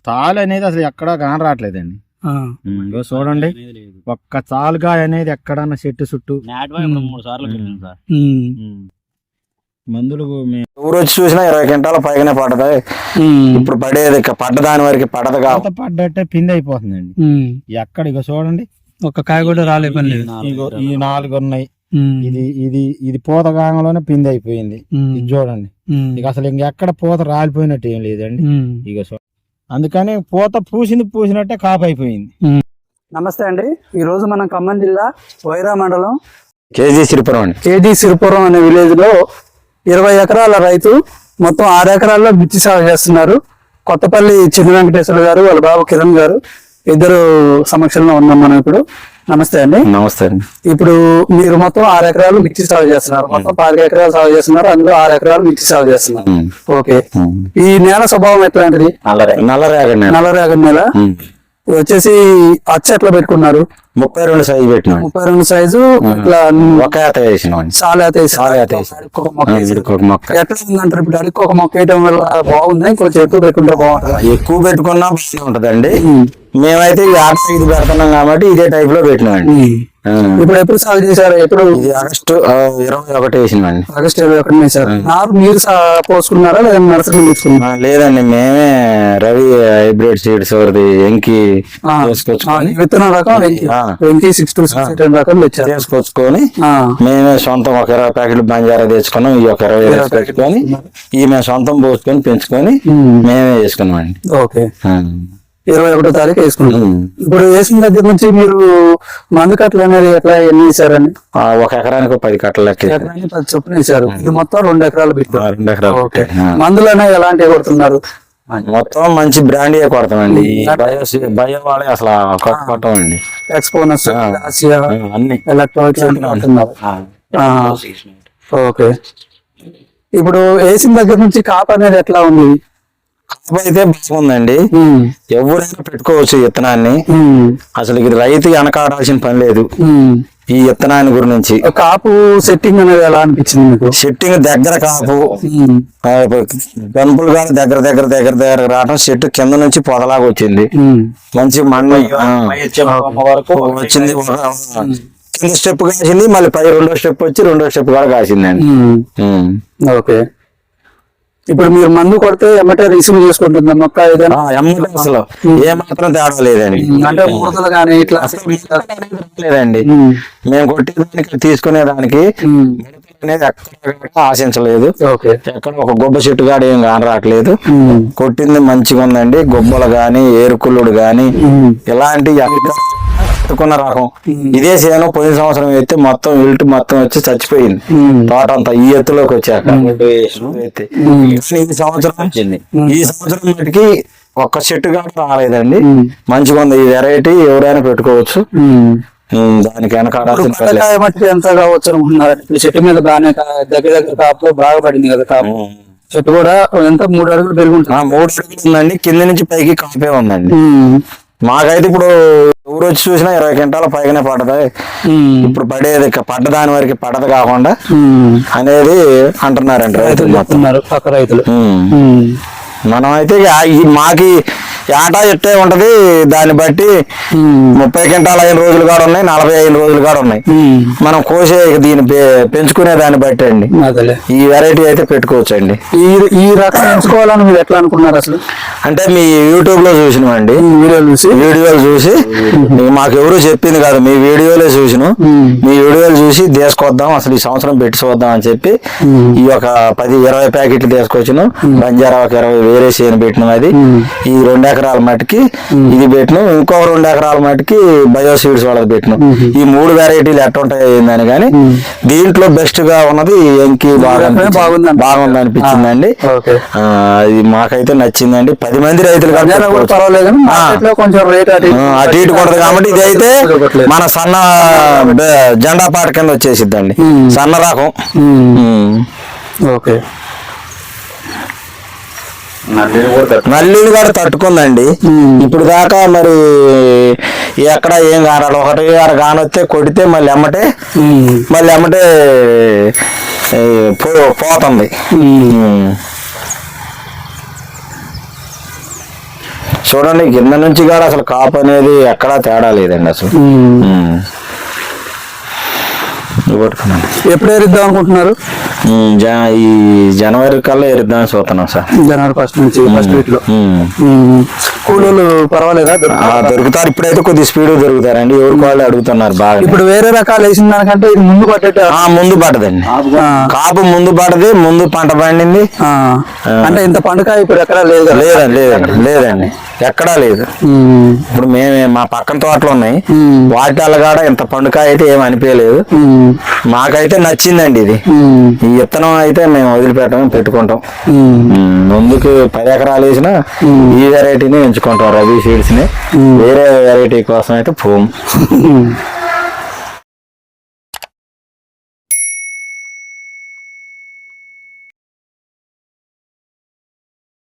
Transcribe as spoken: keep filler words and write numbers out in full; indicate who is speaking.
Speaker 1: తాలు అనేది అసలు ఎక్కడా కాన రావట్లేదండి. చూడండి, ఒక్క చాలుగా అనేది ఎక్కడన్నా చెట్టు చుట్టూ
Speaker 2: మూడు సార్లు
Speaker 1: మందులు ఊరు వచ్చి చూసినా ఇరవై క్వింటాల పైగానే పడతాయి. ఇప్పుడు పడేది పడ్డ దాని వరకు పడదు కాబట్టి పడ్డట్టే పిండి అయిపోతుందండి. ఎక్కడ ఇక చూడండి,
Speaker 3: ఒక కాయ కూడా రాలే పని లేదు.
Speaker 1: ఇగో ఈ నాలుగు ఉన్నాయి. ఇది ఇది ఇది పూత కాలంలోనే పిండి అయిపోయింది. ఇది చూడండి, ఇక అసలు ఇంకెక్కడ పూత రాలిపోయినట్టు ఏం లేదండి. ఇక అందుకని పూత పూసింది పూసినట్టే కాపు అయిపోయింది.
Speaker 3: నమస్తే అండి, ఈ రోజు మనం ఖమ్మం జిల్లా వైరా మండలం
Speaker 1: కేజీ సిరిపురం అండి
Speaker 3: కేజీ సిరిపురం అనే విలేజ్ లో ఇరవై ఎకరాల రైతు మొత్తం ఆరు ఎకరాల్లో మిర్చి సాగు చేస్తున్నారు. కొత్తపల్లి చిన్న వెంకటేశ్వర గారు, వాళ్ళ బాబు కిరణ్ గారు ఇద్దరు సమక్షంలో ఉన్నాం మనం ఇప్పుడు. నమస్తే అండి.
Speaker 1: నమస్తే అండి.
Speaker 3: ఇప్పుడు మీరు మొత్తం ఆరు ఎకరాలు మిర్చి సాగు చేస్తున్నారు. మొత్తం పది ఎకరాలు సాగు చేస్తున్నారు, అందులో ఆరు ఎకరాలు మిర్చి సాగు చేస్తున్నారు. ఓకే, ఈ నేల స్వభావం ఎట్లాంటిది?
Speaker 1: నల్లరేగడి
Speaker 3: నల్లరేగడి నేల. వచ్చేసి అచ్చ ఎట్లా పెట్టుకున్నారు?
Speaker 1: ముప్పై రెండు సైజు పెట్టినా.
Speaker 3: ముప్పై రెండు సైజు ఇట్లా
Speaker 1: ఒక ఏత వేసినాం.
Speaker 3: చాలా ఏత మొక్క ఎట్లా ఉందంటారు? ఇప్పుడు అడిగి ఒక మొక్క వేయడం వల్ల బాగుంది, కొంచెం ఎక్కువ పెట్టుకుంటే బాగుంటుంది.
Speaker 1: ఎక్కువ పెట్టుకున్నా ఉంటదండి. మేమైతే ఈ ఆట ఇది పెడుతున్నాం కాబట్టి ఇదే టైప్ లో పెట్టినామండి.
Speaker 3: ఇప్పుడు ఎప్పుడు సాగు చేశారు? ఎప్పుడు?
Speaker 1: ఆగస్టు ఇరవై ఒకటి వేసినామండి.
Speaker 3: ఆగస్టు ఇరవై ఒకటి వేసారు. నారు మీరు పోసుకున్నారా లేదా నర్సరీ తీసుకున్నారా?
Speaker 1: లేదండి, మేమే రవి హైబ్రిడ్ సీడ్స్ వరది ఎంకి
Speaker 3: విత్తనం రకం ఎంకి సిక్స్ టూ సిక్స్ రకం
Speaker 1: తీసుకొచ్చుకొని మేమే సొంతం ఒక ఇరవై ప్యాకెట్లు బంజారా తెచ్చుకున్నాం. ఈ ఒక ఇరవై పెట్టుకొని ఈ మేము సొంతం పోసుకొని పెంచుకొని మేమే వేసుకున్నాం అండి.
Speaker 3: ఓకే, ఇరవై ఒకటో తారీఖు వేసుకుంటాం. ఇప్పుడు వేసిన దగ్గర నుంచి మీరు మందు కట్టలు అనేది ఎట్లా ఎన్ని వేసారని?
Speaker 1: ఒక ఎకరానికి పది కట్టలు లెక్క
Speaker 3: ఎకరానికి పది చొప్పున వేసారు. ఇది మొత్తం రెండు ఎకరాలు పెట్టారు.
Speaker 1: రెండు ఎకరాలు.
Speaker 3: ఓకే, మందులు అనేవి ఎలాంటివి కొడుతున్నారు?
Speaker 1: మొత్తం మంచి బ్రాండ్ కొడతామండి. బయో వాళ్ళే అసలు కొట్టమండి.
Speaker 3: ఎక్స్పోనస్,
Speaker 1: అన్ని
Speaker 3: ఎలక్ట్రానిక్స్. ఓకే, ఇప్పుడు వేసిన దగ్గర నుంచి కాపు అనేది ఎట్లా ఉంది?
Speaker 1: కాపు అయితే బాగుందండి. ఎవరైనా పెట్టుకోవచ్చు విత్తనాన్ని. అసలు ఇది రైతు వెనకాడాల్సిన పని లేదు ఈ విత్తనాన్ని గురించి.
Speaker 3: కాపు సెట్టింగ్ అనేది ఎలా అనిపించింది మీకు?
Speaker 1: సెట్టింగ్ దగ్గర కాపు గంపులు కానీ దగ్గర దగ్గర దగ్గర దగ్గర రావడం, చెట్టు కింద నుంచి పొదలాగా వచ్చింది. మంచి మన్ను వరకు వచ్చింది. కింద స్టెప్ కాసింది, మళ్ళీ పై రెండో స్టెప్ వచ్చి రెండో స్టెప్ కూడా కాసిందండి.
Speaker 3: ఓకే, ఇప్పుడు మీరు మందు కొడితే ఎమ్మటే రిసీవ్ చేసుకుంటుంది మొక్క?
Speaker 1: ఎమ్మటే అసలు ఏ మాత్రం తేడా లేదండి.
Speaker 3: అంటే ముడతలు కానీ ఇట్లా
Speaker 1: లేదండి. మేము కొట్టేదానికి తీసుకునేదానికి అనేది ఎక్కడ ఆశించలేదు. ఎక్కడ ఒక గొబ్బ చెట్టు గాడు ఏం కాని రావట్లేదు. కొట్టింది మంచిగా ఉందండి. గొబ్బలు గాని ఏరుకుళ్ళుడు గాని ఇలాంటి పెట్టుకున్న రకం ఇదే చేను. పోయిన సంవత్సరం అయితే మొత్తం ఇల్టు మొత్తం వచ్చి చచ్చిపోయింది తోట అంతా ఈ ఎత్తులోకి వచ్చాక. ఈ సంవత్సరం వచ్చింది. ఈ సంవత్సరం మటుకి ఒక్క చెట్టు కూడా రాలేదండి. మంచిగా ఉంది ఈ వెరైటీ. ఎవరైనా పెట్టుకోవచ్చు. దానికి వెనకాడాల్సిన
Speaker 3: ఎంత కావచ్చు అనుకుంటున్నారు? చెట్టు మీద బాగానే దగ్గర దగ్గర కాపు బాగా పడింది కదా. కాపు చెట్టు కూడా ఎంత మూడు అడుగులు పెరుగుంటుంది.
Speaker 1: మూడు అడుగులు ఉందండి. కింద నుంచి పైకి కాపే ఉందండి. మాకైతే ఇప్పుడు ఊరు వచ్చి చూసినా ఇరవై క్వింటాల పైగానే పడతాయి. ఇప్పుడు పడేది పడ్డ దాని వరకు పడదు కాకుండా అనేది అంటున్నారండి రైతులు.
Speaker 3: చెప్తున్నారు పక్క రైతులు.
Speaker 1: మనం అయితే మాకి ఏటా ఎట్టే ఉంటది. దాన్ని బట్టి ముప్పై క్వింటాలు అయిన రోజులు కూడా ఉన్నాయి, నలభై ఐదు రోజులు కూడా ఉన్నాయి. మనం కోసే దీన్ని పెంచుకునే దాన్ని బట్టి అండి ఈ వెరైటీ అయితే పెట్టుకోవచ్చు అండి.
Speaker 3: ఈ ఈ రకం పెంచుకోవాలని మీరు ఎట్లా అనుకున్నారు అసలు?
Speaker 1: అంటే మీ యూట్యూబ్ లో చూసినామండి.
Speaker 3: వీడియోలు చూసి
Speaker 1: వీడియోలు చూసి మాకు ఎవరు చెప్పింది కాదు, మీ వీడియోలే చూసినాం. మీ వీడియోలు చూసి తీసుకొద్దాం అసలు ఈ సంవత్సరం పెట్టి చూద్దాం అని చెప్పి ఈ ఒక పది ఇరవై ప్యాకెట్లు తీసుకొచ్చినాం. బంజారా ఒక ఇరవై వేరే చేను పెట్టినాం. అది ఈ రెండు ఎకరాల మటుకి ఇది పెట్టినాం. ఇంకో రెండు ఎకరాల మటుకి బయో సీడ్స్ వాళ్ళది పెట్టినాం. ఈ మూడు వెరైటీలు ఎట్లా ఉంటాయి ఏందని కానీ దీంట్లో బెస్ట్ గా ఉన్నది ఎంకి బాగా బాగుంది అనిపించిందండి. అది మాకైతే నచ్చిందండి. పది మంది రైతులు అటు ఇటు కొడదు కాబట్టి ఇది అయితే మన సన్న జెండా పాట కింద వచ్చేసిద్దండి. సన్న రకం.
Speaker 3: ఓకే,
Speaker 1: నల్లిని కూడా తట్టుకుందండి. ఇప్పుడు దాకా మరి ఎక్కడ ఏం కానాలి. ఒకటి గారు కానొస్తే కొడితే మళ్ళీ ఎమ్మటే మళ్ళీ ఎమ్మటే పోతుంది. చూడండి కింద నుంచి కూడా అసలు కాపు అనేది ఎక్కడా తేడా లేదండి అసలు. ఉమ్. ఇవి పట్టుకున్నాను.
Speaker 3: ఎప్పుడు ఎరుద్దాం అనుకుంటున్నారు?
Speaker 1: ఉమ్, జ- ఈ జనవరి కల్లా ఎరుద్దామని చూస్తున్నాం సార్.
Speaker 3: జనవరి ఫస్ట్ నుంచి ఫస్ట్ వీక్ లో.
Speaker 1: ఉమ్.
Speaker 3: ఉమ్. కూలీలు పర్వాలేదా?
Speaker 1: ఆ,
Speaker 3: దొరుకుతారా?
Speaker 1: దొరుకుతారు. ఇప్పుడైతే కొద్ది స్పీడ్ దొరుకుతారండి. ఎవరికి వాళ్ళు అడుగుతున్నారు బాగా.
Speaker 3: ఇప్పుడు వేరే రకాలు వేసిన దానికంటే ఇది ముందు పట్టేట.
Speaker 1: ఆ, ముందు పడదండి. కాపు ముందు పడది, ముందు పంట పండింది.
Speaker 3: అంటే ఇంత పండుగ ఇప్పుడు ఎక్కడా లేదు కదా?
Speaker 1: లేదండి లేదండి లేదండి ఎక్కడా లేదు.
Speaker 3: ఉమ్.
Speaker 1: ఇప్పుడు మేమే మా పక్కన తోటలు ఉన్నాయి,
Speaker 3: ఉమ్.
Speaker 1: వాటి కాడ ఇంత పండుగ అయితే ఏం అనిపించలేదు.
Speaker 3: ఉమ్.
Speaker 1: మాకైతే నచ్చిందండి ఇది.
Speaker 3: ఉమ్.
Speaker 1: ఈ విత్తనం అయితే మేము వదిలిపెట్టం, పెట్టుకుంటాం.
Speaker 3: ఉమ్.
Speaker 1: ఉమ్, ముందుకు పది ఎకరాలు వేసినా ఈ వెరైటీని ఎంచుకుంటాం, రబీ సీడ్స్ ని. వేరే వెరైటీ కోసం అయితే పోము.
Speaker 3: ఉమ్.